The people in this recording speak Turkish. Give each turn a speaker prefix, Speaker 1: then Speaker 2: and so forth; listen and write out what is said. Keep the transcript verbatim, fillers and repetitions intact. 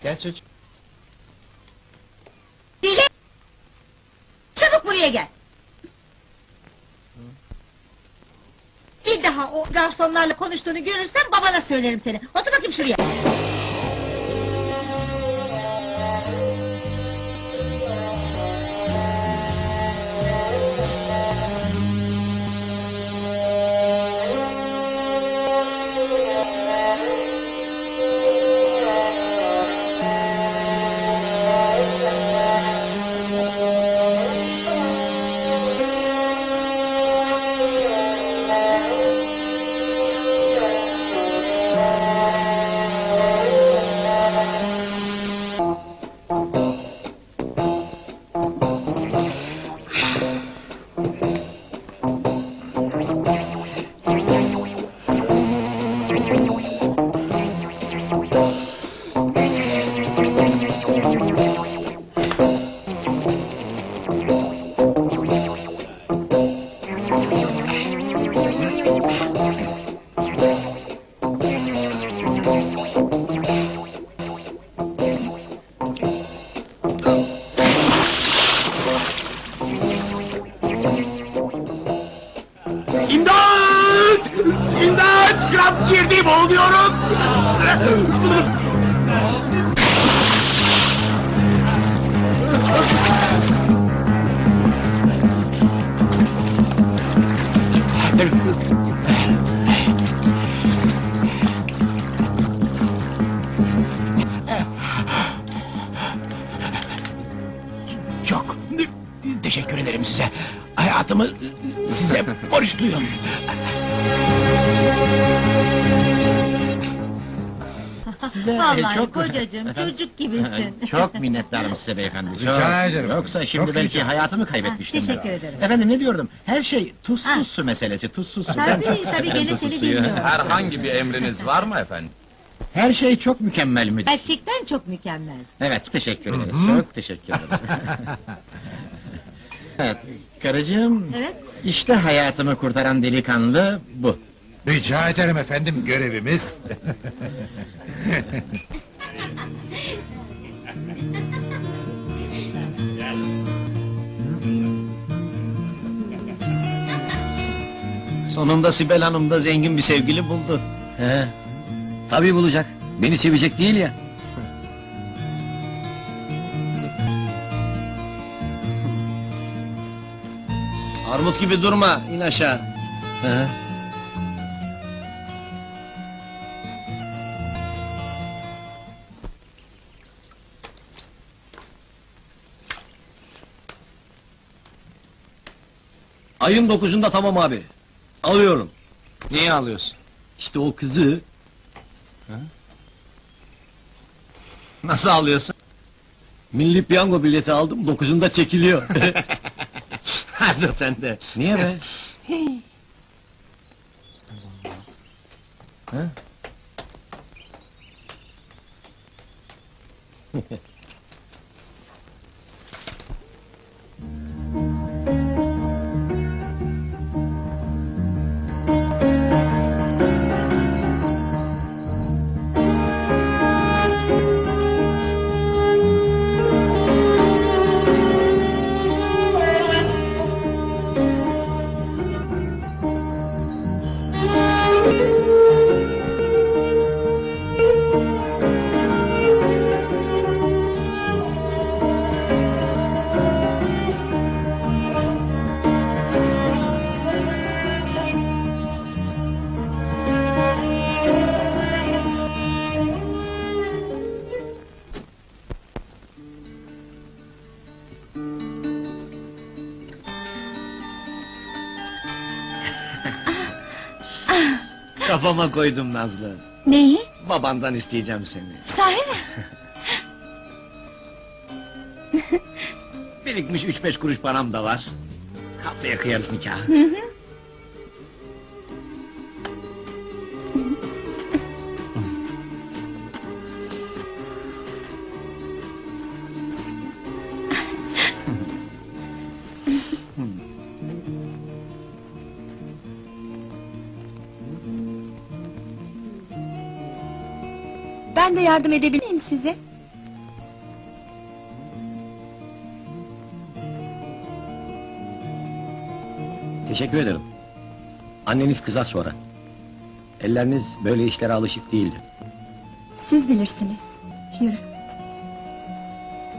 Speaker 1: Gel çocuk.
Speaker 2: Deli! Çabuk buraya gel! Bir daha o garsonlarla konuştuğunu görürsem babana söylerim seni. Otur bakayım şuraya.
Speaker 3: İmdat! İmdat! Kramp girdi, boğuluyorum! Çok teşekkür ederim size. Hayatımı size borçluyum.
Speaker 1: Size
Speaker 2: Vallahi
Speaker 1: çok...
Speaker 2: kocacığım, çocuk gibisin.
Speaker 1: Çok minnettarım size beyefendi.
Speaker 4: Rica
Speaker 1: çok.
Speaker 4: ederim.
Speaker 1: Yoksa şimdi
Speaker 4: Çok
Speaker 1: belki
Speaker 4: rica-
Speaker 1: hayatımı kaybetmiştim.
Speaker 2: Ha, teşekkür
Speaker 1: ben.
Speaker 2: ederim.
Speaker 1: Efendim ne diyordum? Her şey tuzsuz
Speaker 2: Ha.
Speaker 1: su meselesi, tuzsuz su. Ben
Speaker 2: Tabii,
Speaker 1: çok
Speaker 2: tabii
Speaker 1: severim
Speaker 2: gene
Speaker 1: tuzsuz
Speaker 2: seni
Speaker 1: suyu.
Speaker 2: dinliyorum.
Speaker 5: Herhangi bir emriniz var mı efendim?
Speaker 1: Her şey çok mükemmel müdür.
Speaker 2: Gerçekten çok mükemmel.
Speaker 1: Evet, teşekkür ederiz. Çok teşekkür ederiz. Evet, karıcığım.
Speaker 2: Evet.
Speaker 1: İşte hayatımı kurtaran delikanlı bu.
Speaker 4: Rica ederim efendim, görevimiz.
Speaker 1: Sonunda Sibel Hanım da zengin bir sevgili buldu.
Speaker 6: He. Tabii bulacak. Beni sevecek değil ya.
Speaker 1: Armut gibi durma, in aşağı.
Speaker 6: He. Ayın dokuzunda tamam abi. Alıyorum.
Speaker 1: Niye alıyorsun?
Speaker 6: İşte o kızı
Speaker 1: Nasıl alıyorsun?
Speaker 6: milli piyango bileti aldım, dokuzunda çekiliyor.
Speaker 1: Hadi sen de.
Speaker 6: Niye be?
Speaker 1: Kafama koydum Nazlı.
Speaker 2: Neyi?
Speaker 1: Babandan isteyeceğim seni.
Speaker 2: Sahi mi?
Speaker 1: Birikmiş üç beş kuruş param da var. Haftaya kıyarız nikahı.
Speaker 7: Ben de yardım edebilir miyim size?
Speaker 6: Teşekkür ederim. Anneniz kızar sonra. Elleriniz böyle işlere alışık değildi.
Speaker 7: Siz bilirsiniz. Yürü.